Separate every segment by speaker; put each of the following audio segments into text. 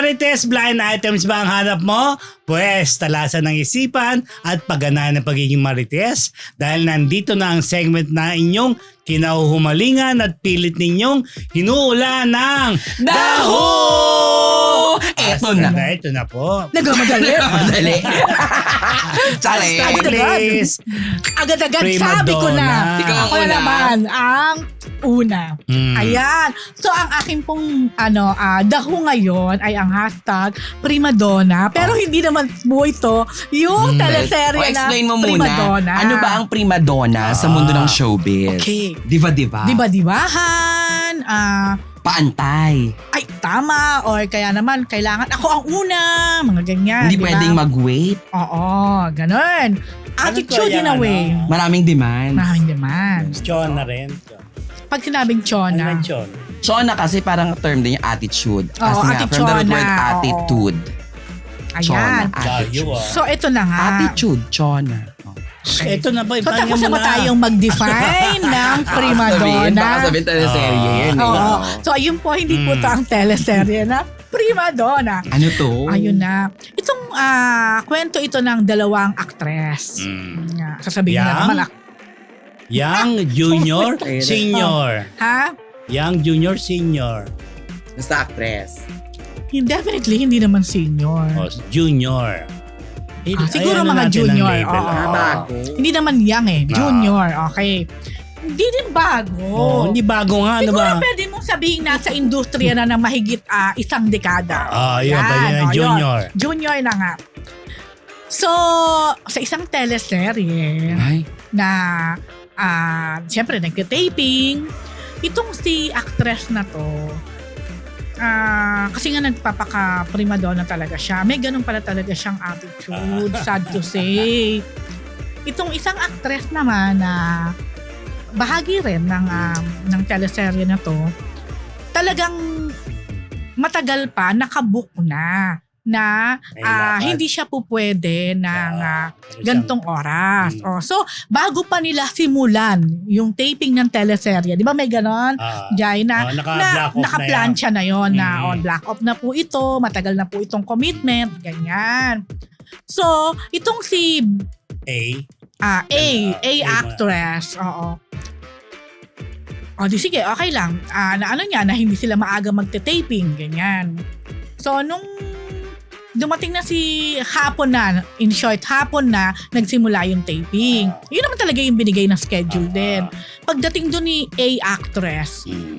Speaker 1: Marites, blind items ba ang hanap mo? Pwes, talasan ng isipan at pagganaan ng pagiging Marites dahil nandito na ang segment na inyong kinahuhumalingan at pilit ninyong hinuula ng
Speaker 2: Daho! Eto na.
Speaker 1: Ito na po.
Speaker 3: Nagmamadali.
Speaker 2: Madali. Chale.
Speaker 1: Please.
Speaker 3: Agad-agad
Speaker 1: Prima
Speaker 3: sabi ko
Speaker 1: donna.
Speaker 3: na.
Speaker 2: Ikaw ang
Speaker 3: Ako na
Speaker 2: una.
Speaker 3: naman ang una.
Speaker 1: Mm.
Speaker 3: Ayan. So ang aking pong daho ngayon ay ang hashtag primadonna. Pero hindi naman po ito yung teleserye na
Speaker 2: explain mo muna.
Speaker 3: primadonna.
Speaker 2: Ano ba ang primadonna sa mundo ng showbiz?
Speaker 3: Okay.
Speaker 2: Diva-diva?
Speaker 3: Diba-dibahan,
Speaker 2: Paantay.
Speaker 3: ay tama, or kaya naman kailangan ako ang una, mga ganyan.
Speaker 2: Hindi
Speaker 3: diba?
Speaker 2: pwedeng mag-wait.
Speaker 3: Oo, ganun. Attitude
Speaker 1: Ano
Speaker 3: in a
Speaker 1: yung
Speaker 3: way.
Speaker 2: Maraming demand.
Speaker 3: Maraming demand.
Speaker 1: Chon na rin.
Speaker 3: Pag sinabing
Speaker 1: Ano
Speaker 3: chona,
Speaker 1: ba Chon?
Speaker 2: Chona kasi parang term din yung attitude.
Speaker 3: Oo,
Speaker 2: Kasi nga, from the root
Speaker 3: attitude,
Speaker 2: word
Speaker 3: oo.
Speaker 2: attitude.
Speaker 3: ayan.
Speaker 2: Chona.
Speaker 1: Layo ah.
Speaker 3: So ito na nga.
Speaker 2: Attitude, chona.
Speaker 1: Ito na ba?
Speaker 3: So tapos na ba tayong mag-define ng primadonna?
Speaker 2: Baka sabihin teleserye yan. eh.
Speaker 3: Oo. So ayun po, hindi po ito ang teleserye na primadonna.
Speaker 2: Ano to?
Speaker 3: Ayun na. Itong kwento ito ng dalawang actress. Sasabihin
Speaker 1: Yang?
Speaker 3: na naman.
Speaker 1: Young, junior, senior.
Speaker 3: Ha?
Speaker 1: Young, junior, senior.
Speaker 2: Basta actress.
Speaker 3: Definitely, hindi naman senior.
Speaker 1: O, junior.
Speaker 3: Siguro
Speaker 1: Ayan na
Speaker 3: mga
Speaker 1: natin ang
Speaker 3: junior.
Speaker 1: label.
Speaker 3: Oo.
Speaker 2: Bago.
Speaker 3: Hindi naman young eh. Junior. Okay. Hindi din bago.
Speaker 1: Oh, hindi bago nga, ano
Speaker 3: Siguro
Speaker 1: ba?
Speaker 3: pwede mong sabihin nasa industriya na ng mahigit isang dekada.
Speaker 1: Yun, pwede na
Speaker 3: yun.
Speaker 1: junior.
Speaker 3: Junior na nga. So, sa isang teleserye
Speaker 2: Ay.
Speaker 3: na siyempre nagka-taping, itong si actress na to, kasi nga nagpapaka-primadonna talaga siya. May ganun pala talaga siyang attitude, sad to say. Itong isang actress naman na bahagi rin ng teleserye na to, talagang matagal pa nakabook na
Speaker 1: May lakad.
Speaker 3: hindi siya po pwede ng gantong oras. So, bago pa nila simulan yung taping ng teleserye, di ba may ganon? Jai, naka-plancha na yon na on black off na po ito, matagal na po itong commitment, ganyan. So, itong si A actress, oo. Di sige, okay lang. Na hindi sila maaga magte-taping, ganyan. So, nung dumating na si hapon na nagsimula yung taping. Yun naman talaga yung binigay na schedule din. Pagdating doon ni A actress,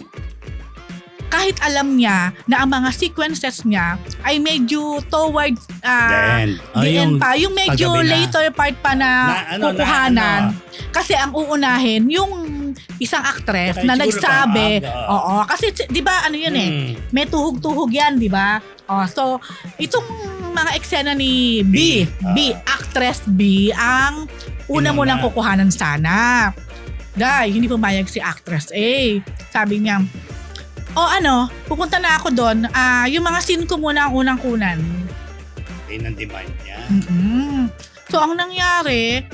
Speaker 3: kahit alam niya na ang mga sequences niya ay medyo towards the end pa. Yung medyo later part pa na kukuhanan. Kasi ang uunahin, yung isang actress na nagsabi, oo, kasi di ba ano yun may tuhog-tuhog yan, di ba? So, itong mga eksena ni B, actress B, ang una mo lang kukuhanan sana. Dahil hindi pumayag si actress A. Sabi niya, pupunta na ako doon. Yung mga scene ko muna ang unang kunan.
Speaker 1: Yun ang demand niya.
Speaker 3: So, ang nangyari,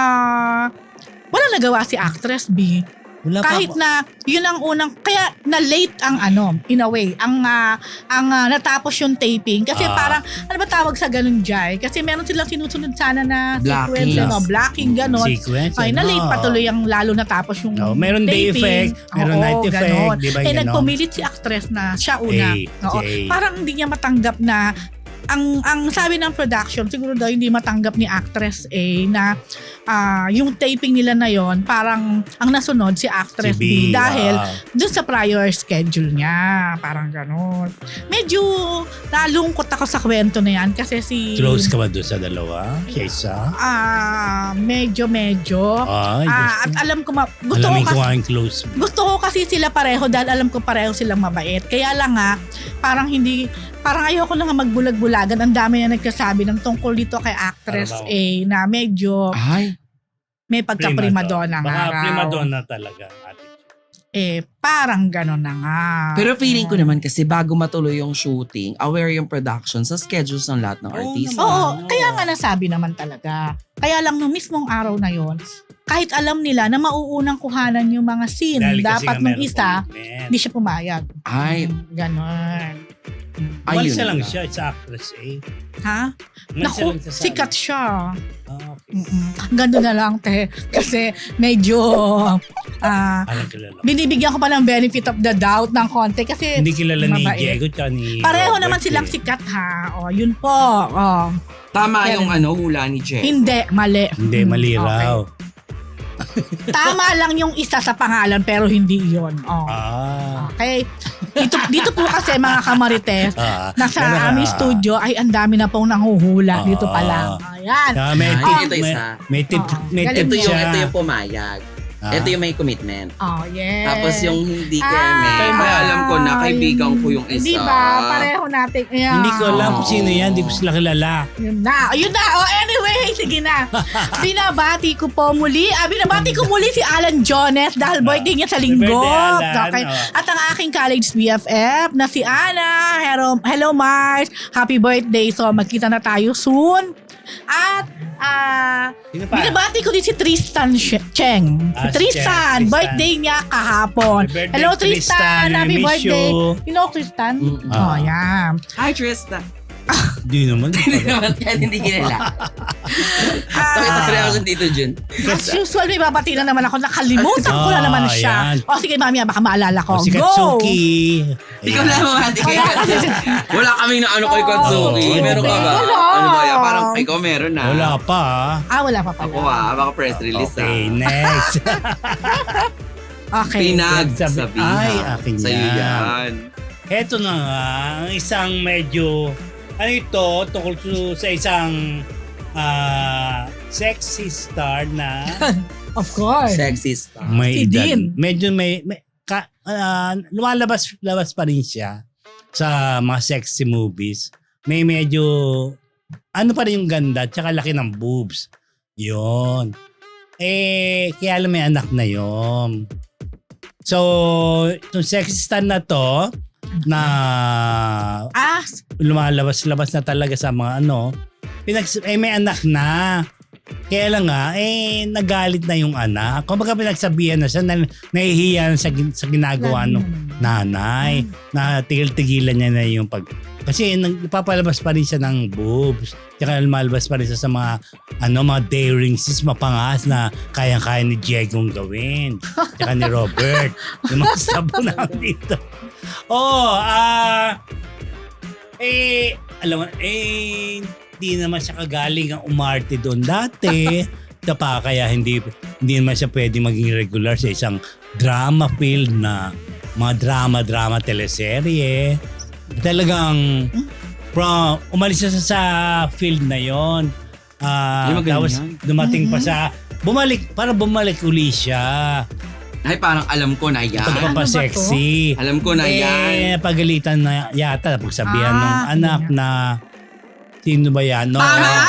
Speaker 3: wala nagawa si actress B. Kahit na yun ang unang, kaya na late ang in a way, ang natapos yung taping. Kasi parang, ano ba tawag sa ganun, Jai? Kasi meron silang sinusunod sana na sequence, blocking, ganon.
Speaker 1: Sequence,
Speaker 3: ay, na late patuloy ang lalo natapos yung
Speaker 1: meron day
Speaker 3: taping.
Speaker 1: effect, meron night effect,
Speaker 3: ganon.
Speaker 1: di ba ganon?
Speaker 3: Nagpumilit si actress na siya una. Parang hindi niya matanggap na ang sabi ng production, siguro daw hindi matanggap ni actress A na yung taping nila na yon parang ang nasunod si actress B dahil dun sa prior schedule niya. Parang gano'n. Medyo nalungkot ako sa kwento na yan kasi si...
Speaker 1: Close ka ba doon sa dalawa? Kaysa?
Speaker 3: Medyo. At alam ko, gusto ko kasi sila pareho dahil alam ko pareho silang mabait. Kaya lang parang ayoko na nga magbulag-bulagan. Ang dami na nagkasabi ng tungkol dito kay actress A na medyo may pagka-primadonna nga
Speaker 1: Baka
Speaker 3: raw.
Speaker 1: primadonna talaga.
Speaker 3: Parang gano'n na nga.
Speaker 2: Pero feeling ko naman kasi bago matuloy yung shooting, aware yung production sa schedules ng lahat ng artista.
Speaker 3: Oo, kaya nga nasabi naman talaga. Kaya lang nung mismong araw na yon, kahit alam nila na mauunang kuhanan yung mga scene, dapat nung isa, hindi siya pumayag.
Speaker 2: Ay.
Speaker 3: Ganon.
Speaker 1: Umalis
Speaker 2: Ayun
Speaker 1: na lang
Speaker 2: lang.
Speaker 1: siya sa actress eh.
Speaker 3: Ha?
Speaker 1: Umalis na
Speaker 3: Naku,
Speaker 1: lang siya sa-
Speaker 3: sikat siya.
Speaker 1: Ah, okay.
Speaker 3: Ganda na lang, te. Kasi medyo
Speaker 1: Alam kilala.
Speaker 3: binibigyan ko pa ng benefit of the doubt ng konti kasi
Speaker 1: Hindi kilala ni
Speaker 3: mabait.
Speaker 1: Diego tsaka ni
Speaker 3: pareho
Speaker 1: Robert
Speaker 3: naman silang
Speaker 1: eh.
Speaker 3: sikat ha. O, yun po. O,
Speaker 2: Tama
Speaker 3: Karen.
Speaker 2: yung hula ni Jen.
Speaker 3: hindi, mali.
Speaker 1: Hindi, mali
Speaker 3: Okay.
Speaker 1: raw.
Speaker 3: Tama lang yung isa sa pangalan pero hindi yun. O.
Speaker 1: Ah.
Speaker 3: Okay? Dito po kasi mga kamarites, nasa
Speaker 1: Yan na.
Speaker 3: aming studio ay ang dami na pong nanghuhula dito pa lang. Ayan.
Speaker 1: Ah, may
Speaker 2: Ay,
Speaker 1: tip,
Speaker 2: ito isa.
Speaker 1: may tip,
Speaker 3: Oo.
Speaker 1: may
Speaker 3: Galing
Speaker 1: tip
Speaker 3: mo.
Speaker 1: siya.
Speaker 2: Ito yung pumayag.
Speaker 1: Ah.
Speaker 2: Ito yung may commitment.
Speaker 3: Oh, yes.
Speaker 2: Tapos yung hindi
Speaker 3: Ah,
Speaker 2: keme, ay alam ko na kaibigan ko yung isa.
Speaker 3: Di ba? Pareho natin. Ayan.
Speaker 1: Hindi ko alam kung sino yan, hindi ko sila kilala.
Speaker 3: Yun na. Ayun na. Oh, anyway, sige na. Binabati ko po muli. Binabati ko muli si Alan Jones dahil birthday niya sa linggo.
Speaker 1: Birthday, Alan.
Speaker 3: Okay.
Speaker 1: Oh.
Speaker 3: At ang aking college BFF na si Ana. Hello Mars. Happy birthday. So magkita na tayo soon. At
Speaker 1: Sino pa?
Speaker 3: binabati ko din si Tristan Cheng.
Speaker 1: Ah, si
Speaker 3: Tristan,
Speaker 1: Cheng.
Speaker 3: birthday niya kahapon.
Speaker 1: Happy birthday,
Speaker 3: Hello
Speaker 1: Tristan.
Speaker 3: Tristan, happy
Speaker 1: We miss
Speaker 3: birthday.
Speaker 1: you.
Speaker 3: You know Tristan?
Speaker 2: Mm-mm.
Speaker 3: Oh, yeah.
Speaker 2: Hi, Trista.
Speaker 1: Hindi naman.
Speaker 2: Hindi naman kahit hindi kilala. Nakita ko rin ako dito, Jun.
Speaker 3: As usual, may babati na naman ako. Nakalimutan ko na naman siya.
Speaker 1: yan.
Speaker 3: O sige, mami, baka maalala ko.
Speaker 1: O, si
Speaker 3: Go!
Speaker 1: Katsuki.
Speaker 2: Ikaw na mo, hindi kay Wala kaming na ano kay Katsuki.
Speaker 1: Oo.
Speaker 2: Meron ka ba?
Speaker 3: Wala.
Speaker 2: Ano ba yan? Parang ikaw meron na.
Speaker 1: Wala pa.
Speaker 3: Wala pa pala.
Speaker 2: Ako baka press release
Speaker 1: Okay, next.
Speaker 3: Okay.
Speaker 2: Pinagsabihan.
Speaker 1: Ay, akin
Speaker 2: Sa'yo
Speaker 1: yan.
Speaker 2: yan.
Speaker 1: Eto na nga, ang isang medyo, ano ito, tungkol sa isang sexy star na
Speaker 3: Of course.
Speaker 2: Sexy star.
Speaker 1: may
Speaker 3: Si
Speaker 1: edad.
Speaker 3: Dean.
Speaker 1: Medyo lumalabas pa rin siya sa mga sexy movies. May medyo, ano pa rin yung ganda, tsaka laki ng boobs. Yun. Kaya alam may anak na yon. So, itong sexy star na to, na lumalabas-labas na talaga sa mga ano, may anak na. Kaya lang nga, nagalit na yung anak. Kung baga pinagsabihan na siya, nahihiya na sa ginagawa ng nanay. Na tigil-tigilan niya na yung kasi nagpapalabas pa rin siya ng boobs. Tsaka lumalabas pa rin siya sa mga mga daring sis, mapangas na kayang-kaya ni Diego gawin. Tsaka ni Robert. Yung mga sabo na dito. Alam mo, hindi naman siya kagaling ang umarte doon dati. Kaya hindi naman siya pwede maging regular sa isang drama field na mga drama teleserye. Talagang umalis siya sa field na yon. Tapos dumating pa sa bumalik uli siya.
Speaker 2: Ay, parang alam ko na yan.
Speaker 1: Pagpapasexy.
Speaker 2: Alam ko na yan.
Speaker 1: Pagalitan na yata pagsabihan ng anak na sino ba yan? No?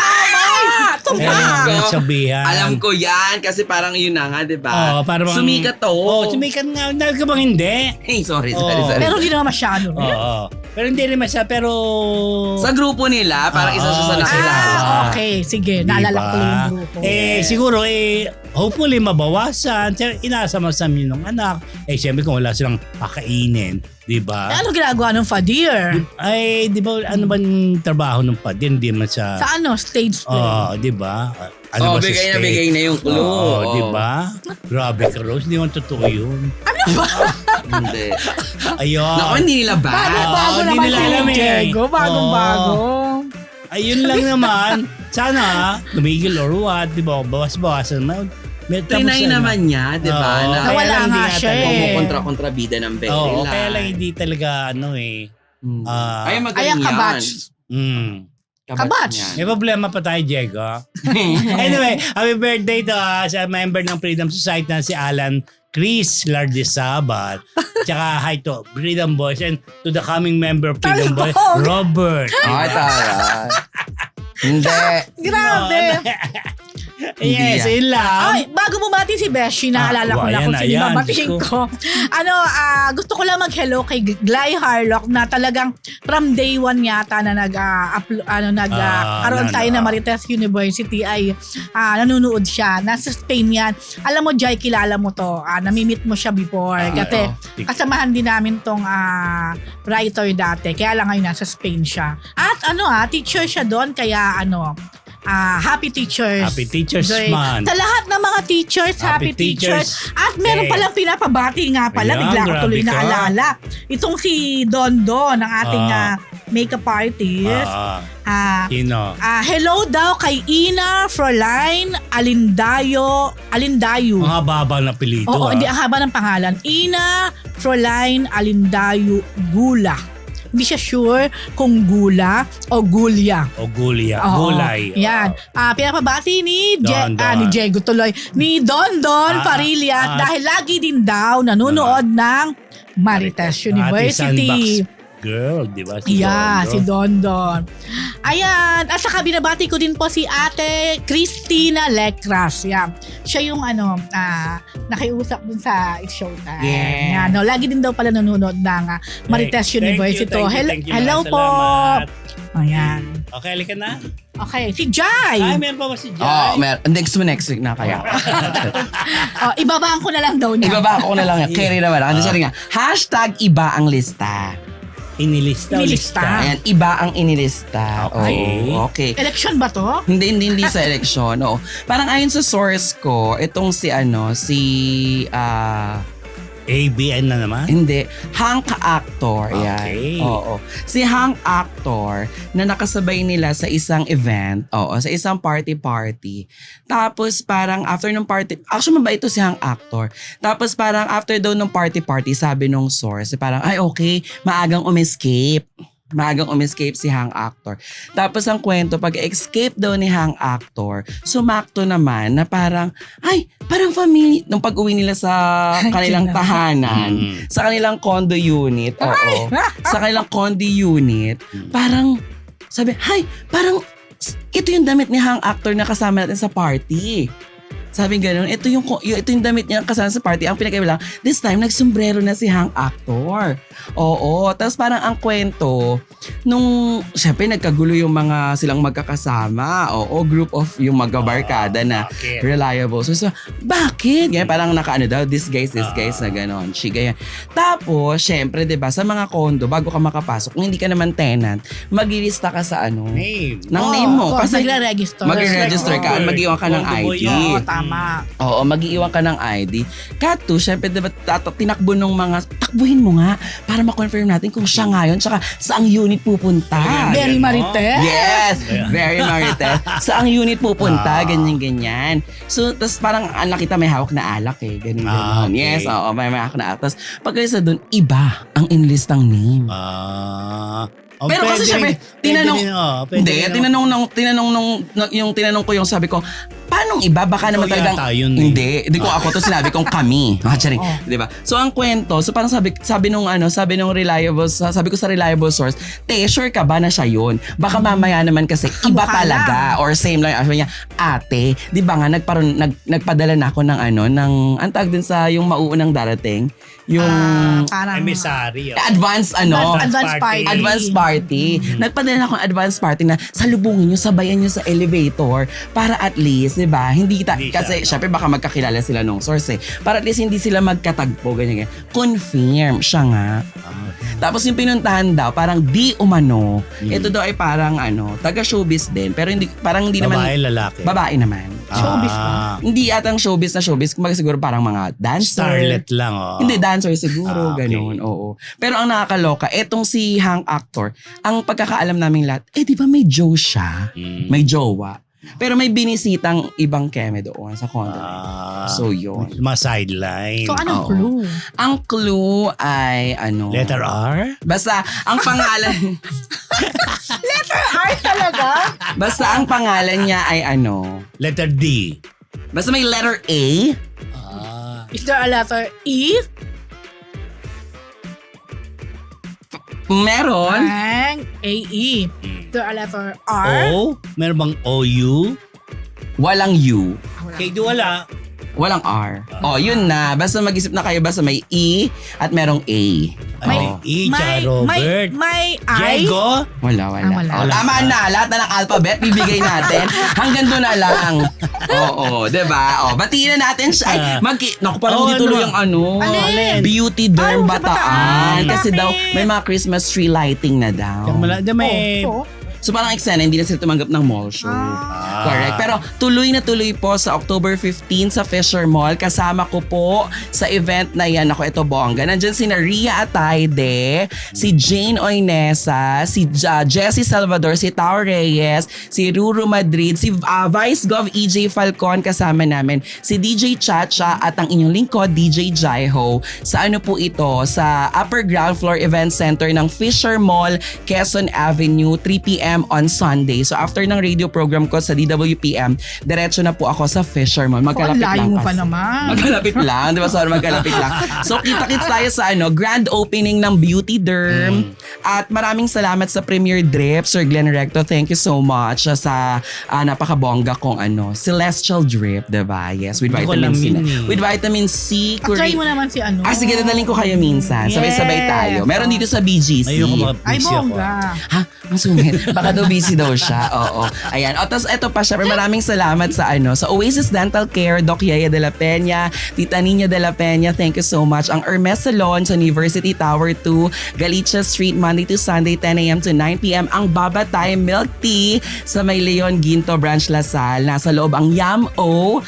Speaker 1: Sabihan.
Speaker 2: Alam ko yan kasi parang yun na nga, di ba?
Speaker 1: Parang
Speaker 2: sumikat to.
Speaker 1: Sumikat nga. Dahil ka bang hindi?
Speaker 2: Hey, sorry.
Speaker 3: Pero hindi naman masyado.
Speaker 1: Pero hindi rin masya, pero
Speaker 2: Sa grupo nila, parang isa siya sa nakilala.
Speaker 3: Okay. Sige. Naalala ko yung grupo.
Speaker 1: Siguro, hopefully mabawasan. Inaasam-asam yun ng anak. Siyempre kung wala silang kakainin. Diba?
Speaker 3: Ano ginagawa ng Fadir?
Speaker 1: Di ba, ano ba yung trabaho ng Padir? Hindi man siya...
Speaker 3: Sa stage play?
Speaker 1: Di ba?
Speaker 2: Bigay na yung clue.
Speaker 1: Di ba? Grabe ka, Rose. Hindi mo totoo yun.
Speaker 3: Ano ba?
Speaker 2: Hindi.
Speaker 1: Ayun.
Speaker 2: Naku, hindi nila ba?
Speaker 3: Bago
Speaker 1: hindi
Speaker 3: naman
Speaker 1: nila
Speaker 3: si
Speaker 1: alam eh.
Speaker 3: Diego. Bagong-bago.
Speaker 1: Ayun lang naman. Sana, tumigil or what. Di ba? Bawas-bawasan.
Speaker 2: Trinay naman niya, di ba?
Speaker 1: Oo,
Speaker 2: Na
Speaker 1: kaya
Speaker 3: Nawala
Speaker 1: lang hindi
Speaker 3: nga
Speaker 1: nga
Speaker 3: siya
Speaker 1: talaga-
Speaker 2: kumukontra-kontrabida ng Berry
Speaker 1: Oo,
Speaker 2: Line.
Speaker 1: kaya lang hindi talaga
Speaker 2: Ay,
Speaker 3: Ay,
Speaker 2: magaling
Speaker 3: ang
Speaker 2: yan.
Speaker 3: kabats. Kabats.
Speaker 1: May problema pa tayo, Diego. Anyway, happy birthday to sa member ng Freedom Society na si Alan Chris Lardisabat. Tsaka hi to Freedom Boys and to the coming member of Freedom Boys,
Speaker 3: Talbog!
Speaker 1: Robert.
Speaker 2: Ay, tara. Hindi.
Speaker 3: Grabe.
Speaker 1: Yes,
Speaker 2: Hindi
Speaker 1: yun lang.
Speaker 3: Ay, bago bumati si Beshi, naalala ko na
Speaker 1: ayan
Speaker 3: kung
Speaker 1: na,
Speaker 3: sino
Speaker 1: ayan.
Speaker 3: babatiin
Speaker 1: Diyos
Speaker 3: ko. Gusto ko lang mag-hello kay Gly Harlock na talagang from day one yata na nagkaroon tayo na Marites University ay nanonood siya. Nasa Spain yan. Alam mo, Jai, kilala mo to. Namimit mo siya before. Kasi kasamahan din namin tong writer dati. Kaya lang ngayon nasa Spain siya. At teacher siya doon. Kaya Happy Teachers.
Speaker 1: Happy Teachers
Speaker 3: Day.
Speaker 1: Month.
Speaker 3: Sa lahat ng mga teachers, Happy Teachers. At meron
Speaker 1: Day.
Speaker 3: palang pinapabati nga pala.
Speaker 1: Ayan,
Speaker 3: Bigla ko tuloy
Speaker 1: grabe ka.
Speaker 3: naalala. Itong si Don Don, ang ating makeup artist.
Speaker 1: Sino?
Speaker 3: Hello daw kay Ina Fräulein Alindayo.
Speaker 1: Ang haba na apelyido.
Speaker 3: Oo, hindi, ang haba ng pangalan. Ina Fräulein Alindayo Gula. Hindi siya sure kung Gula o Gulya.
Speaker 1: O Gulya.
Speaker 3: Oo,
Speaker 1: Gulay.
Speaker 3: Yan. Pinapabati ni
Speaker 1: Don.
Speaker 3: ni Diego tuloy. Ni Don Parillas dahil lagi din daw nanonood ng Marites University.
Speaker 1: Sandbox Girl, di ba?
Speaker 3: Si Don. Ayan. At saka binabati ko din po si Ate Christina Lecras. Yan. Siya yung nakiusap dun sa Showtime.
Speaker 2: Yeah.
Speaker 3: Yan, lagi din daw pala nanonood ng Marites University.
Speaker 1: Thank you,
Speaker 3: Hello po.
Speaker 1: Salamat.
Speaker 3: Ayan.
Speaker 1: Okay, halika na.
Speaker 3: Okay, si Jai.
Speaker 1: Ay, meron pa ba si Jai?
Speaker 2: Next week na kaya.
Speaker 3: Ibabaan ko na lang daw niya.
Speaker 2: Ibaba ko na lang yan. Carry naman. Kasi sabi nga, #iba ang lista.
Speaker 1: Inilista.
Speaker 2: Ayan, iba ang inilista.
Speaker 1: Okay.
Speaker 2: Oo, okay.
Speaker 3: Election ba to?
Speaker 2: Hindi sa eleksyon. Oo. Parang ayon sa source ko, itong si
Speaker 1: ABN na naman?
Speaker 2: Hindi. Hank Actor.
Speaker 1: Okay.
Speaker 2: Yan. Oo. Si Hank Actor na nakasabay nila sa isang event. Oo. Sa isang party. Tapos parang after ng party, actually mabait ito si Hank Actor. Tapos parang after daw ng party, sabi nung source, parang ay okay, maagang umescape si Hank Actor. Tapos ang kwento, pag-escape daw ni Hank Actor, sumakto naman na parang family, nung pag-uwi nila sa kanilang tahanan, sa kanilang condo unit, sa kanilang condo unit, parang sabi, parang ito yung damit ni Hank Actor na kasama natin sa party. Sabi gano'n, ito yung damit niya kasama sa party. Ang pinakaiba lang, this time, nagsombrero na si Hank Actor. Oo. Tapos parang ang kwento, syempre nagkagulo yung mga silang magkakasama. Oo, group of yung magkabarkada na reliable. So, bakit? Ganyan, parang daw, this guys na gano'n. Ganyan. Tapos, syempre, diba, sa mga condo, bago ka makapasok, kung hindi ka naman tenant, maglilista ka sa
Speaker 1: name.
Speaker 2: Ng name mo. Kasi
Speaker 3: magre-register
Speaker 2: ka at mag-iwan ka ng ID.
Speaker 3: Tama.
Speaker 2: Oo, mag-iwan ka ng ID. Kato, syempre, diba, takbuhin mo nga para ma-confirm natin kung siya ngayon, tsaka saang unit pupunta.
Speaker 3: Very Marites.
Speaker 2: Yes! Very Marites. Saang unit pupunta, ganyan-ganyan. So, tas parang nakita may hawak na alak ganyan.
Speaker 1: Okay.
Speaker 2: Yes, oo, may hawak na alak. Tas pagkalisa doon, iba ang inlistang name. Pero kasi syempre, tinanong ko yung sabi ko, paano iba? Baka naman talagang hindi ko ako to sinabi kong kami. Di ba? So ang kwento, so parang sabi nung reliable, sabi ko sa reliable source, sure ka ba na siya yun? Baka mamaya naman kasi iba talaga or same lang. Sabi niya, ate, di ba nga nagpadala na ako ng ang tawag din sa yung mauunang darating, yung
Speaker 3: parang
Speaker 1: emissary.
Speaker 2: Advance party. Nagpadala na akong advance party na salubungin nyo, sabayan nyo sa elevator para at least, diba? Kasi syempre baka magkakilala sila nung source para at least hindi sila magkatagpo, ganyan. Confirm siya nga. Tapos yung pinuntahan daw, parang di umano. Ito daw ay parang taga-showbiz din. Pero hindi naman.
Speaker 1: Babae, lalaki.
Speaker 2: Babae naman.
Speaker 3: Showbiz ba?
Speaker 2: Hindi atang showbiz na showbiz. Kumbaga siguro parang mga dancer.
Speaker 1: Starlet lang,
Speaker 2: Hindi, dancer siguro.
Speaker 1: Okay.
Speaker 2: Ganun, oo. Pero ang nakakaloka, etong si Hank Actor, ang pagkakaalam naming lahat, di ba may Joe siya? May jowa. Pero may binisitang ibang keme doon sa condo. So yun.
Speaker 1: Mga sideline.
Speaker 3: So anong clue?
Speaker 2: Ang clue ay
Speaker 1: Letter R?
Speaker 2: Basta ang pangalan
Speaker 3: Letter R talaga?
Speaker 2: Basta ang pangalan niya ay
Speaker 1: Letter D.
Speaker 2: Basta may letter A.
Speaker 3: Is there a letter E?
Speaker 2: Meron.
Speaker 3: Ang A-E. Is there a letter R?
Speaker 1: O? Meron bang OU?
Speaker 2: Walang U.
Speaker 1: Kay wala.
Speaker 2: Walang R. Yun na. Basta mag-isip na kayo, basta may E at merong A.
Speaker 1: May E, tsaka Robert.
Speaker 3: May I.
Speaker 1: Diego.
Speaker 2: Wala.
Speaker 3: wala.
Speaker 2: Tama na. Lahat na ng alphabet, bibigay natin. Hanggang doon na lang. Oo, diba? Batiin na natin siya. Naku, parang hindi tuloy yung
Speaker 3: Alin?
Speaker 2: Beauty Derm
Speaker 3: Sa
Speaker 2: Bataan. Kasi
Speaker 3: Bakit?
Speaker 2: daw, may mga Christmas tree lighting na daw.
Speaker 1: May...
Speaker 2: So parang eksena, hindi na sila tumanggap ng mall show. Correct. Pero tuloy na tuloy po sa October 15 sa Fisher Mall. Kasama ko po sa event na yan. Ako, ito bongga. Nandyan si Ria Atayde, si Jane Oinesa, si Jessie Salvador, si Tao Reyes, si Ruru Madrid, si Vice Gov EJ Falcon kasama namin, si DJ Chacha at ang inyong lingkod, DJ Jaiho. Sa ano po ito? Sa Upper Ground Floor Event Center ng Fisher Mall, Quezon Avenue, 3 p.m. on Sunday. So after ng radio program ko sa DWPM, diretso na po ako sa Fisher Mall. Magkalapit lang
Speaker 3: Layo mo pa
Speaker 2: kasi.
Speaker 3: naman.
Speaker 2: Magkalapit lang, di ba? Sorry, magkalapit lang. So kita-kits tayo sa grand opening ng Beauty Derm. At maraming salamat sa Premier Drip, Sir Glenn Recto. Thank you so much sa napakabongga kong Celestial Drip, di ba? Yes, with
Speaker 1: Hindi ko
Speaker 2: vitamin C.
Speaker 1: alam yun
Speaker 2: With vitamin C.
Speaker 3: Try mo naman si
Speaker 2: Sige, dadaling ko kayo minsan. Sabay-sabay tayo. Meron dito sa BGC.
Speaker 1: Ayoko
Speaker 3: Ay,
Speaker 1: makapisi ako.
Speaker 3: bongga.
Speaker 2: Ha? Ang sungit. Baka daw busy daw siya. Oo. Ayan. Tapos eto pa, syempre maraming salamat sa sa Oasis Dental Care, Doc Yaya de la Peña, Tita Nina de la Peña. Thank you so much. Ang Hermes Salon sa University Tower 2, Galicia Street, Monday to Sunday, 10 a.m. to 9 p.m. Ang Babatay Milk Tea sa May Leon Ginto Branch Lasal. Nasa loob ang YAMO,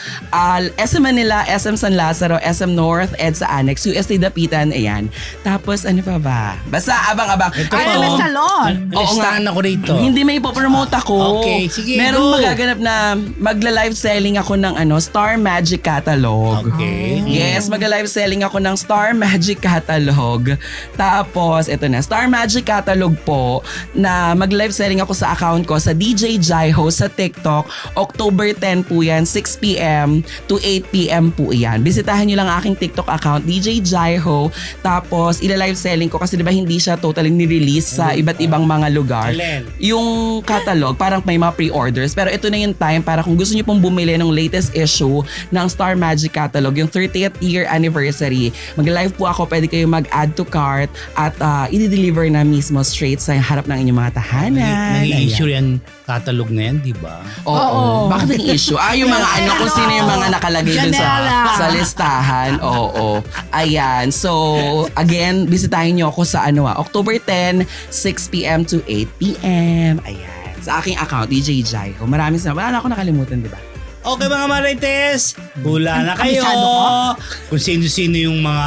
Speaker 2: SM Manila, SM San Lazaro, SM North, EDSA Annex, UST Dapitan. Ayan. Tapos ano pa ba? Basta abang-abang.
Speaker 1: Ito
Speaker 3: Ay,
Speaker 1: po.
Speaker 3: may salon.
Speaker 2: Oo nga.
Speaker 1: Listahan ako rito.
Speaker 2: Hindi may ipopromote ako.
Speaker 1: Okay, sige,
Speaker 2: Meron
Speaker 1: go.
Speaker 2: magaganap na magla-live selling ako ng Star Magic Catalog.
Speaker 1: Okay.
Speaker 2: Yes, magla-live selling ako ng Star Magic Catalog. Tapos, ito na, Star Magic Catalog po na mag-live selling ako sa account ko sa DJ Jaiho sa TikTok. October 10 po yan, 6 p.m. to 8 p.m. po yan. Bisitahin nyo lang aking TikTok account, DJ Jaiho. Tapos, ila-live selling ko kasi diba hindi siya totally ni-release sa iba't ibang mga lugar.
Speaker 1: Alin?
Speaker 2: Yung catalog, parang may mga pre-orders. Pero ito na yung time para kung gusto nyo pong bumili ng latest issue ng Star Magic Catalog, yung 30th year anniversary. Mag-live po ako, pwede kayo mag-add to cart at i-deliver na mismo straight sa harap ng inyong mga tahanan.
Speaker 1: Nag-i-issue yan catalog na yan, di ba?
Speaker 2: Oo. Bakit ang issue? Yung mga kung sino yung mga nakalagay dun
Speaker 3: Janela.
Speaker 2: sa listahan. Oo. Ayan. So, again, bisitahin nyo ako sa October 10, 6 p.m. to 8 p.m. Ayan. Sa aking account, DJ Jaiho. Maraming salamat. Wala na ako nakalimutan, di ba?
Speaker 1: Okay mga Marites, hula na kayo.
Speaker 3: Kabisado ko.
Speaker 1: Kung sino-sino yung mga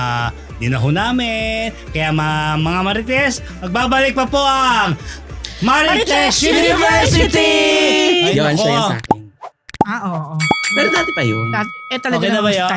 Speaker 1: dinahon namin. Kaya mga Marites, magbabalik pa po ang Marites University! Ay,
Speaker 2: Yun,
Speaker 1: nako.
Speaker 2: siya yun sa akin.
Speaker 3: Oo.
Speaker 2: Pero dati pa yun.
Speaker 3: Talaga
Speaker 1: Okay na ba
Speaker 3: naman
Speaker 1: yun?